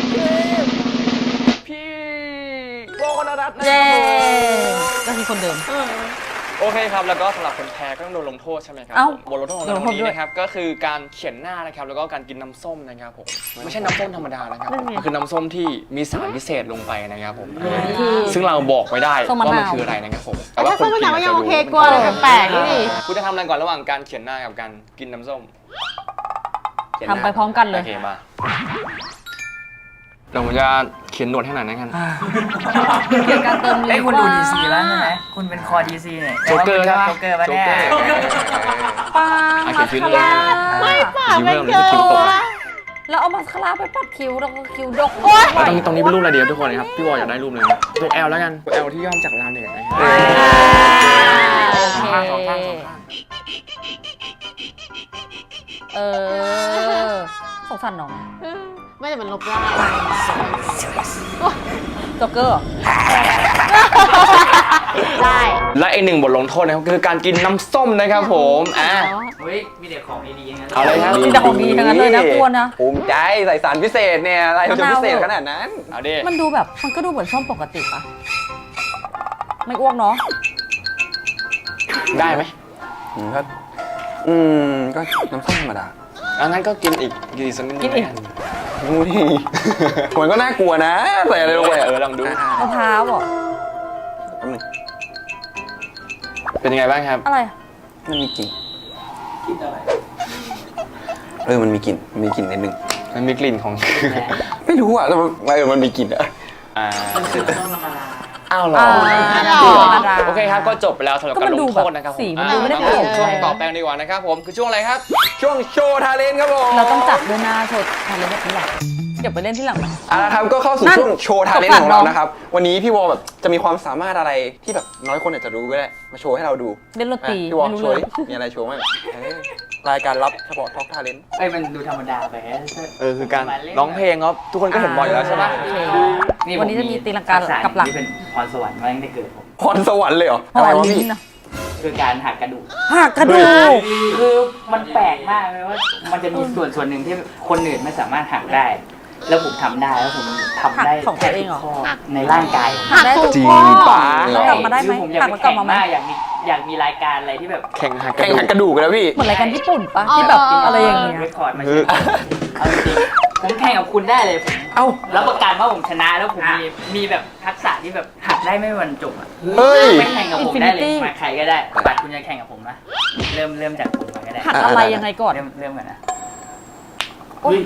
Speaker 5: พี่โบกนรัตน์นะ
Speaker 2: เย้ก็คือคนเดิม
Speaker 5: โอเคครับแล้วก็สำหรับคนแพ้ก็ต้องโดนลงโทษใช่ไหมครับ
Speaker 2: เอ้า
Speaker 5: ผมบทลงโทษของ
Speaker 2: โดน
Speaker 5: เรา
Speaker 2: ลงโท
Speaker 5: วั
Speaker 2: ษ
Speaker 5: นนี้
Speaker 2: ด้วย
Speaker 5: นะครับก็คือการเขียนหน้านะครับแล้วก็การกินน้ำส้มนะครับผมไม่ใช่น้ำส้มธรรมดานะครับมันคือน้ำส้มที่มีสารพิเศษลงไปนะครับผมซึ่งเราบอกไม่ได้
Speaker 2: ส้มมะ
Speaker 5: ว่ามัน
Speaker 2: นาว
Speaker 5: คืออะไรนะครับผม
Speaker 3: แต่ถ้าส้มมะนาวก็ยังโอเค
Speaker 5: น
Speaker 3: กลัวอะไรแปลกๆนี่
Speaker 5: คุณจะทำอะไรก่อนระหว่างการเขียนหน้ากับการกินน้ำส้ม
Speaker 2: ทำไปพร้อมกันเล
Speaker 5: โอย เคมาเดี๋ยวผมจะเขียนหนวดให้หน่อยนะกัน
Speaker 2: เกี่ยวกับการเติม
Speaker 6: ไอ้ยคุณดูดีซีแล้วใช่ไหมคุณเป็นคอดีซีเนี่ย
Speaker 5: โจ๊กเกอร์
Speaker 6: ค
Speaker 5: ใช่
Speaker 6: รับ
Speaker 5: ปะ
Speaker 6: โจ๊กเกอร์ปะเนี่ย
Speaker 2: ปัง
Speaker 5: อ่ะ
Speaker 2: มา
Speaker 5: เขี
Speaker 2: ส
Speaker 5: ยนคิ้ว
Speaker 2: คา
Speaker 5: เลย
Speaker 2: ร่า
Speaker 3: ไม่ปาก
Speaker 5: คิ้ว
Speaker 3: ไม่
Speaker 5: เริ่ม
Speaker 3: เจ
Speaker 5: คิ้วตก
Speaker 3: อ
Speaker 2: แล้วเอามาสคาร่าไปปัดคิ้วแล้วก็คิ้วดก
Speaker 5: แล้วตรงตรงนี้เป็นรูปอะไรเดียวทุกคนนะครับพี่วอลอยากได้รูปเลยนะตัว L แล้วกันตัว L ที่ย่อมาจากลาเนตนะครับ
Speaker 2: โอเค
Speaker 5: สองข้างสองข้าง
Speaker 2: เออสงสารน้อง
Speaker 3: ไม่แต่มันลบได้
Speaker 2: จ็อกเกอร์เหรอ
Speaker 3: ได้
Speaker 5: และอีกหนึ่งบทลงโทษนะครับคือการกินน้ำส้มนะครับผมอ่ะ
Speaker 6: เฮ้ยมีแต่ของดีๆงั้น
Speaker 5: เอาเลยครับ
Speaker 2: มีแต่ของดีทั้งนั้นเลยนะกลัวนะ
Speaker 4: ภูมิใจใส่สารพิเศษเนี่ยอะไรจะพิเศษขนาดนั้น
Speaker 5: เอาดิ
Speaker 2: มันดูแบบมันก็ดูเหมือนส้มปกติปะไม่อ้วกเนาะ
Speaker 5: ได้ไหม
Speaker 4: อืมก็อืมก็น้ำส้มธรรมดา
Speaker 5: อันนั้นก็กินอีกกินอีกสักนิดนึง
Speaker 2: กินอีก
Speaker 4: อุ้ยมันก็น่ากลัวนะใส่อะไรลงไป
Speaker 5: เออลองดู
Speaker 2: มะพร้าวเหรอ
Speaker 4: แป๊บนึง
Speaker 5: เป็นยังไงบ้างครับ
Speaker 2: อะไร
Speaker 4: มันมีกลิ่น
Speaker 6: กินอะไร
Speaker 4: เออมันมีกลิ่นมันมีกลิ่นนิดนึง
Speaker 5: มันมีกลิ่นของ
Speaker 4: ไม่รู้อ่ะแต่มันเออมันมีกลิ่นอะ
Speaker 5: อ่า
Speaker 6: มันคือต้นธรรมดา
Speaker 5: อ้าวเหรอ
Speaker 2: อ่า
Speaker 3: ธรรมดา
Speaker 5: โอเคครับก็จบไปแล้วสำหรับ
Speaker 2: ก็
Speaker 5: การ
Speaker 2: มัน
Speaker 5: ล
Speaker 2: ดู
Speaker 5: งโทษนะครับ
Speaker 2: แบบสี
Speaker 5: ผม
Speaker 2: มันดูไม่ได้
Speaker 5: อ่ะ
Speaker 2: โปร่ง
Speaker 5: ช่วง
Speaker 2: ใส
Speaker 5: ต่อไปดีกว่านะครับผมคือช่วงอะไรครับ
Speaker 4: ช่วงโชว์ทาเลนต์ครับผม
Speaker 2: เราต้องจับด้วยหน้าโชว์ทำเล่นแบบนี้หรอเก็บไปเล่นที่หลังไหม
Speaker 4: อ่ะนะครับก็เข้าสู่
Speaker 2: นั่น
Speaker 4: ช่วงโชว์ทาเลนต์
Speaker 2: สงสาร
Speaker 4: ของเรา
Speaker 2: น้อง
Speaker 4: นะครับวันนี้พี่วอลแบบจะมีความสามารถอะไรที่แบบน้อยคนอาจจะรู้ก็ได้มาโชว์ให้เราดู
Speaker 2: เล่นดนตรี
Speaker 4: อ่ะพี่วอล
Speaker 2: ไม่รู้
Speaker 4: โชว์
Speaker 2: เล
Speaker 4: ดิ
Speaker 2: ย
Speaker 4: มีอะไรโชว์ไหมเอ้ยรายการลับเฉพาะท็อกทาเลนต์
Speaker 6: เอ้ยมันดูธรรมดาไป
Speaker 5: เออคือการร้องเพลงครับทุกคนก็เห็นบ่อยอยู่แล้วใช่ไหม
Speaker 2: โอเควันนี้จะมีตีลังกากับหลัง
Speaker 6: ที่เป็นพรสวรรค์มาตั้งแต่เกิดผม
Speaker 4: พรสวรรค์เลยเหรอ
Speaker 2: หอ
Speaker 4: อะไรวะ
Speaker 2: ลิ้
Speaker 4: พี่
Speaker 2: นนะ
Speaker 6: คือการหักกระดูก
Speaker 2: หักกระดูก
Speaker 6: คือมันแปลกมากเลยว่ามันจะมีส่วนส่วนหนึ่งที่คนอื่นไม่สามารถหักได้ แล้วผมทำได้แล้วผมทำได้
Speaker 2: หักของตัวเองเหรอ
Speaker 6: ข้ในร่างกาย
Speaker 2: หักได้
Speaker 3: ถูก
Speaker 4: จริง
Speaker 3: ข้อ
Speaker 4: ป่ะ
Speaker 2: แล้วกลับมาได้ไหม
Speaker 6: คือผมอยาก
Speaker 2: หัก
Speaker 6: ไป
Speaker 2: แล้วกลับ
Speaker 6: แข่ง
Speaker 2: มาไหม
Speaker 6: มากอยากมีอยากมีรายการอะไรที่แบบ
Speaker 5: แข่งหักก
Speaker 4: แข่
Speaker 5: ระ
Speaker 4: ง
Speaker 5: ดู
Speaker 4: หั
Speaker 5: ก
Speaker 4: กกระดูกกันแล้วพี่
Speaker 2: เหมือนรายการญี่ปุ่นปะที่แบบอะไรอย่างเงี้ย
Speaker 6: เรคคอร์ดมาใช่ไหมเอาจริงๆผมแข่งกับคุณได้เลยผม
Speaker 4: เอ้า
Speaker 6: รับประกันว่าผมชนะแล้วผมมีมีแบบทักษะที่แบบหักได้ไม่มีวันจบอ่ะ
Speaker 4: เฮ้ย
Speaker 6: ไม่แข่งกับผมได้เลย
Speaker 2: Infinity
Speaker 6: มาใครก็ได้ปัดคุณจะแข่งกับผมนะเริ่มเริ่มจากคุณมาก็ได้
Speaker 2: หักอะไรยังไงก่อน
Speaker 6: เริ่มเริ่มกันนะ
Speaker 2: โอ๊ย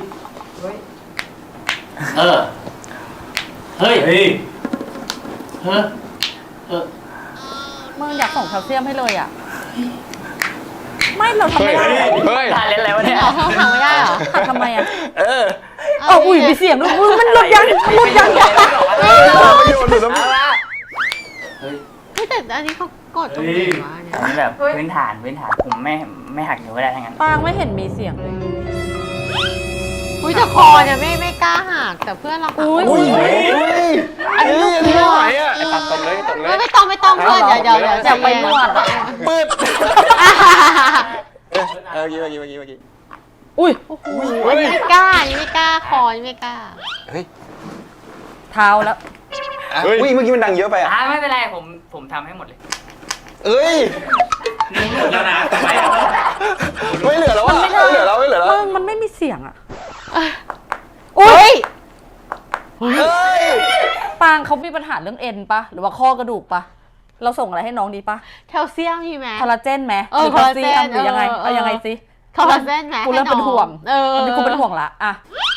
Speaker 6: เออเฮ้ยเฮ้ยเฮ้ยเออ
Speaker 2: มึงอยากส่งแคลเซียมให้เลยอ่ะ ไม่เราทำไม่ได้
Speaker 5: เฮ้ย
Speaker 6: ทานเล่นอะไรวะเนี่ย
Speaker 3: เอาทำไม่ได้เหรอ
Speaker 2: หักทำไมอ่ะ
Speaker 4: เออ
Speaker 2: เอออุ้ยมีเสียงด้วยมึงมันหลุดยังมันหลุดยัง
Speaker 4: ประโยชน์หรือไม่
Speaker 6: เฮ้ย
Speaker 3: เฮ้ยแต่อันนี้เขากดตรงไหนวะเนี่ย
Speaker 6: อันนี้แบบพื้นฐานพื้นฐานผมไม่ไม่หักนิ้วก็ได้ทั้งนั้น
Speaker 2: ปางไม่เห็นมีเสียงเลย
Speaker 3: อุ้ยแต่คอเนี่ยไม่ไม่กล้าหักแต่เพื่อนเราหัก
Speaker 2: อุ้ย
Speaker 4: อุ้ย
Speaker 3: อันนี้ลูก
Speaker 4: อันนี้ไม่ไหวอ่ะ
Speaker 5: ไอ้ปัดตบเลยตบเล
Speaker 3: ไม่
Speaker 5: ย
Speaker 3: ไม่ต้องไม่ต้องเพื่อนเดี๋ยวเดี๋ยวเดี๋ยว
Speaker 2: อยากไปนวดอ่ะ
Speaker 4: ปืดเออเมื่อกี้เมื่อกี้เมื่อกี้
Speaker 2: อุ้ย
Speaker 3: อันนี้ไม่กล้าอันนี้ไม่กล้าคอนี่ไม่กล้า
Speaker 4: เฮ้ย
Speaker 2: เท้าแล้ว
Speaker 4: อ่ะอุ้ยเมื่อกี้มันดังเยอะไปอ่ะ
Speaker 6: อ่าไม่เป็นไรผมผมทำให้หมดเลย
Speaker 4: เอ้ย
Speaker 6: นิ้วหมดแล้วนะทำไม
Speaker 4: ไม่เหลือแล้วอ่ะไม่เหลือแล้วไม่เหลือแล้ว
Speaker 2: มันมันไม่มีเสียงอ่ะ
Speaker 3: อุ้ย
Speaker 4: เฮ้ย
Speaker 2: ปางเขามีปัญหาเรื่องเอ็นปะหรือว่าข้อกระดูกปะเราส่งอะไรให้น้องดีปะ
Speaker 3: แคลเซียมมีไหม
Speaker 2: คอลลาเจนไหม
Speaker 3: เออ
Speaker 2: หรืแคลเซียม
Speaker 3: คอลลาเจน
Speaker 2: หรือยังไง
Speaker 3: เออเออ
Speaker 2: เอายังไงสิ
Speaker 3: คอลลาเจนไหม
Speaker 2: กูเริ่ม
Speaker 3: ให้
Speaker 2: เป็น
Speaker 3: อง
Speaker 2: ห่วง
Speaker 3: เออ
Speaker 2: ตอนนี้กูเป็นห่วงละอ่ะ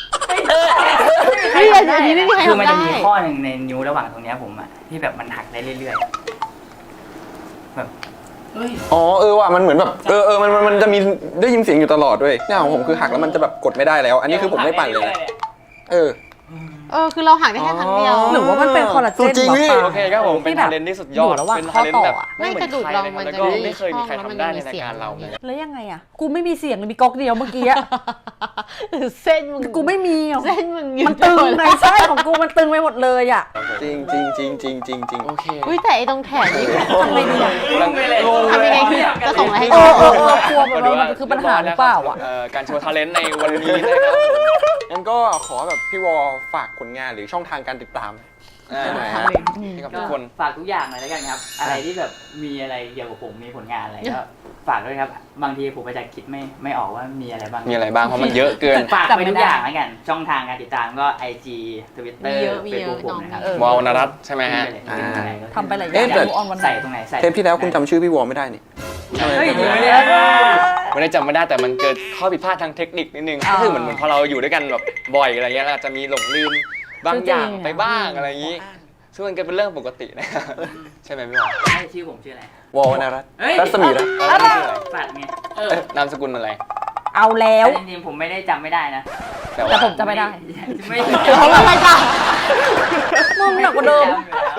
Speaker 3: นี่อันนี้ไม่มีใคร
Speaker 6: คือมัน
Speaker 3: ทำ
Speaker 6: จะ
Speaker 3: ได้
Speaker 6: มีข้อหนึ่งในนิ้วระหว่างตรงเนี้ยผมอะที่แบบมันหักได้เรื่อยๆแบบเฮ้ย
Speaker 4: อ๋อเออว่ะมันเหมือนแบบเออเออมันมันมันจะมีได้ยินเสียงอยู่ตลอดด้วยเนี่ยของผมคือหักแล้วมันจะแบบกดไม่ได้แล้ว อันนี้คือผมไม่ปั่นเลยนะเออ
Speaker 3: เออคือเราหักได้แค่ครั้งเดียว
Speaker 2: หรือว่ามันเป็นคอลลาเจน
Speaker 4: จริงพี่
Speaker 2: ปะ
Speaker 5: โอเคครับผมเป็น
Speaker 2: ที่แบบ
Speaker 5: ทาเลนที่สุดยอด
Speaker 2: อยู่ระหว่าง
Speaker 5: เป็น
Speaker 2: ข้อ
Speaker 5: ทาเลน
Speaker 2: ต่อ
Speaker 5: แบบ
Speaker 2: อะ
Speaker 5: ไม่เหมือน
Speaker 3: ไม่กระดูก
Speaker 5: ใคร
Speaker 3: เรา
Speaker 5: เลย
Speaker 3: มัน
Speaker 5: แล้ว
Speaker 3: จะ
Speaker 5: ก็
Speaker 3: มี
Speaker 5: ไม่เคยมีใคร
Speaker 3: ช่อง
Speaker 5: ทำได้ใน
Speaker 3: แล้วมันมี
Speaker 5: รายการเรา
Speaker 3: เสียง
Speaker 2: แล้วยังไงอ่ะ กูไม่มีเสียงเลยมีก๊อกเดียวเมื่อกี้อะ
Speaker 3: เส้นมึง
Speaker 2: กูไม่มีอ่ะ
Speaker 3: เส้นมึง
Speaker 2: มันตึงไงใช่ของกูมันตึงไปหมดเลยอ่ะ
Speaker 4: จริงจริงจริงจริงจริงจริง
Speaker 5: โอเค
Speaker 3: อุ้ยแต่ไอ้ตรงแถบนี่
Speaker 2: ทำไงดีอ่ะ
Speaker 5: งงเลย
Speaker 3: ทำยังไงคือจะส่งอะไรให้
Speaker 2: เอ
Speaker 3: น้อ
Speaker 2: อง เออเออกลัวแบบว่ามันคือปัญหาหรือเปล่าอ่ะ
Speaker 5: เการโชว์ทาเลนในวันนี้นะครับผม
Speaker 4: งั้นก็ขอแบบพี่วอฝากผลงานหรือช่องทางการติดตาม
Speaker 5: อ่า
Speaker 4: ได้ไหมฮะ
Speaker 5: ให้กับทุกคน
Speaker 6: ฝากทุกอย่างเลยแล้วกันครับ อะไรที่แบบมีอะไรเกี่ยวกับผมมีผลงานอะไรก็ฝากด้วยครับ บางทีผมอาจจะคิดไม่ไม่ออกว่ามีอะไรบ้าง
Speaker 5: มีอะไรบ้างเพราะมันเยอะเกิน
Speaker 6: ฝากไปทุกอย่างแล้วกัน ช่องทางการติดตามก็ ไอ จี Twitter
Speaker 3: มีเยอะมีเยอะ
Speaker 6: Facebook ผมนะครับ
Speaker 2: เออ
Speaker 5: วอลนรัตน์ใช่ไหมฮะ
Speaker 4: อ่า
Speaker 2: ทำไปหลายอ
Speaker 4: เอ๊ะ
Speaker 2: ย่าง
Speaker 4: แต่
Speaker 2: ดูออนวันไหน
Speaker 6: ใส่ตรงไหนใส่
Speaker 4: เทปที่แล้วคุณจำชื่อพี่วอไม่ได้นี่ใช่ไหม
Speaker 6: เฮ้ย
Speaker 4: จำไม่
Speaker 6: เดี๋ยว
Speaker 4: ได้
Speaker 6: เดี๋ยว
Speaker 5: ไม่ได้จำไม่ได้แต่มันเกิดข้อผิดพลาดทางเทคนิคนิดนึง
Speaker 2: อ่า
Speaker 5: ก็คือเหมือนเหมือนพอเราอยู่ด้วยกันแบบบ่อยอะไรเงี้ยเราอาจจะมีหลงลืมบางอย่าง
Speaker 2: จริงๆ
Speaker 5: ไปบ้างอะไรอย่างนี้ซึ่งมันก็เป็นเรื่องปกตินะครับใช่ไหมพี่วอล
Speaker 6: ใช่ชื่อผมชื่ออะไร
Speaker 4: วอลนะรัต
Speaker 6: เฮ้ย
Speaker 4: รัศมีรัต
Speaker 5: แล้วนี่ชื่ออะไร
Speaker 6: สัตว์ไงเออ
Speaker 5: เอ้ยนามสกุลอะไร
Speaker 2: เอาแล้ว
Speaker 6: จริงๆผมไม่ได้จำไม่ได้นะ
Speaker 5: แต่
Speaker 2: แต่
Speaker 5: ว่า
Speaker 2: ผมจะไม่ได้
Speaker 6: ไม่
Speaker 2: เพราะว่าอะไรกันมึงหนักกว่าเดิม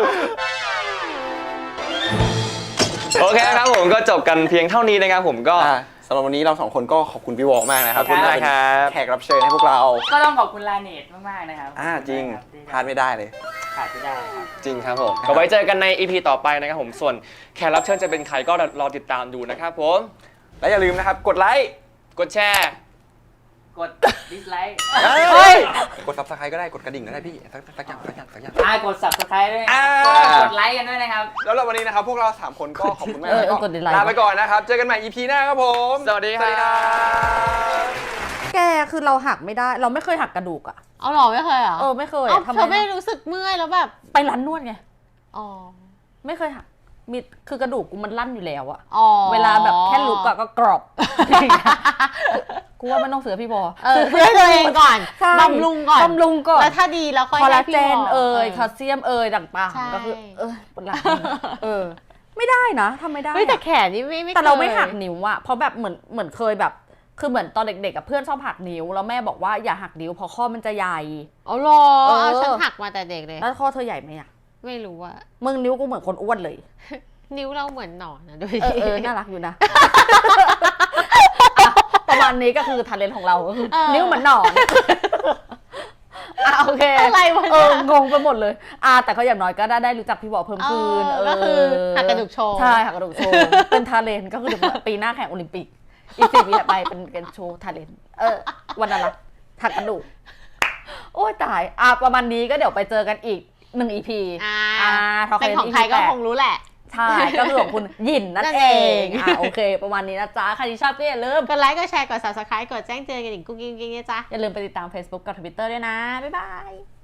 Speaker 5: โอเคครับผมก็จบกันเพียงเท่านี้นะครับผมก็
Speaker 4: อ่าสำหรับวันนี้เราสองคนก็ขอบคุณพี่วอลมากนะครับ
Speaker 5: ขอบคุณมากครับ
Speaker 4: แขกรับเชิญให้พวกเรา
Speaker 6: ก็ต้องขอบคุณลาเนตมากๆนะครับ
Speaker 4: อ่าจริง
Speaker 6: ที่
Speaker 4: พลาดไม่ได้เลย
Speaker 6: ขาดไม่ได้ครับ
Speaker 5: จริงครับผมก็ไว้เจอกันใน อี พี ต่อไปนะครับผมส่วนแขกรับเชิญจะเป็นใครก็รอติดตามดูนะครับผม
Speaker 4: และอย่าลืมนะครับกดไลค์
Speaker 5: กดแชร์
Speaker 6: กดดิสไลค์
Speaker 4: เฮ้ยกด ซับสไครบ์ ก็ได้กดกระดิ่งก็ได้พี่สักสักอย่างสักอย่างสักอย่าง
Speaker 6: อ่ากด subscribe ด้วย
Speaker 4: อ่า
Speaker 6: กดไลค์กันด้วยนะครับ
Speaker 4: แล้วเราวันนี้นะครับพวกเราสามคนก็ขอบคุณมาก
Speaker 2: เออ
Speaker 4: แล้ว
Speaker 2: กดดิสไลค์
Speaker 4: ลาไปก่อนนะครับเจอกันใหม่ อี พี หน้าครับผม
Speaker 5: สวัสดีครับ
Speaker 2: แกคือเราหักไม่ได้ เราไม่เคยหักกระดูกอ่ะ
Speaker 3: เอาหรอไม่เคยเหรอ
Speaker 2: เออไม่เคย
Speaker 3: เอ้า
Speaker 2: อะทำ
Speaker 3: เธอไม่
Speaker 2: ไม
Speaker 3: รู้สึกเมื่อยแล้วแบบ
Speaker 2: ไปร้านนวดไง
Speaker 3: อ๋อ
Speaker 2: ไม่เคยหักมีคือกระดูกกูมันลั่นอยู่แล้วอะ
Speaker 3: อ๋อ
Speaker 2: เวลาแบบแค่ลุกอะก็กรอบ กูว่ามันต้องเสือพี่บอ
Speaker 3: เออซื้อให้ตัวเองก่อน
Speaker 2: ใช่
Speaker 3: บำรุงก่อน
Speaker 2: บำรุงก่อน
Speaker 3: แล้วถ้าดีแล้วค่อย
Speaker 2: คอลลา
Speaker 3: ให้พี่
Speaker 2: เจน
Speaker 3: หม
Speaker 2: เอ่ย
Speaker 3: เอ
Speaker 2: แคล
Speaker 3: อ
Speaker 2: เซียมเอ่ยต่าง
Speaker 3: ใช่
Speaker 2: ๆก็คือ เออปวดหลังเออ ไม่ได้นะทำไม่ได้
Speaker 3: เฮ้ยแต่
Speaker 2: อะ
Speaker 3: แขนนี่ไม่ไม่
Speaker 2: แต่เราไม่
Speaker 3: คย
Speaker 2: หักนิ้วอะเพราะแบบเหมือนเหมือนเคยแบบ คือเหมือนตอนเด็กๆกับเพื่อนชอบหักนิ้วแล้วแม่บอกว่าอย่าหักนิ้วเพราะข้อมันจะใหญ่
Speaker 3: เอาหรอ
Speaker 2: เออ
Speaker 3: เอาฉันหักมาแต่เด็กเลย
Speaker 2: แล้วข้อเธอใหญ่ไหมอะ
Speaker 3: ไม่รู้อะ
Speaker 2: มึงนิ้วกูเหมือนคนอ้วนเลย
Speaker 3: นิ้วเราเหมือนหนอนนะดู
Speaker 2: เออเออน่ารักอยู่นะ ประมาณนี้ก็คือทาเลนต์ของเราก็คือนิ้วเหมือนหนอนอ่ะโอเค
Speaker 3: อะไรวะ
Speaker 2: เอ
Speaker 3: เนี่ย
Speaker 2: องงไปหมดเลยอ่ะแต่ก็อย่างน้อยก็ได้ได้รู้จักพี่บอกเพิ่มขึ้น
Speaker 3: เออก็คือหักกระดูกโชว์
Speaker 2: ใช่หักกระดูกโชว์เป็นทาเลนต์ก็คือเดี๋ยวปีหน้าแข่งโอลิมปิก อีกสิบปีถัดไปเป็นเกมโชว์ทาเลนต์เออวันนั้นละหักกระดูกโอ้ยตายอ่ะประมาณนี้ก็เดี๋ยวไปเจอกันอีกหนึ่งอีพี
Speaker 3: อ่า
Speaker 2: อ่าทอ
Speaker 3: เป็น
Speaker 2: เลน
Speaker 3: ของ
Speaker 2: อี
Speaker 3: ใคร
Speaker 2: พี
Speaker 3: ก็
Speaker 2: แปด
Speaker 3: คงรู้แหละ
Speaker 2: ใช่ ก็คือของคุณหยินนั่
Speaker 3: นั่
Speaker 2: น
Speaker 3: น
Speaker 2: เอ
Speaker 3: เอง
Speaker 2: งอ่ะโอเค ประมาณนี้นะจ๊ะ ใครที่ชอบก็อย่าลืม
Speaker 3: กดไลค์กดแชร์กด subscribe กดแจ้งเตือนกันอีกกุ๊กกิ๊งกิ๊งเนี่ยจ้ะ
Speaker 2: อย่าลืมไปติดตาม Facebook กับ Twitter ด้วยนะ บ๊ายบาย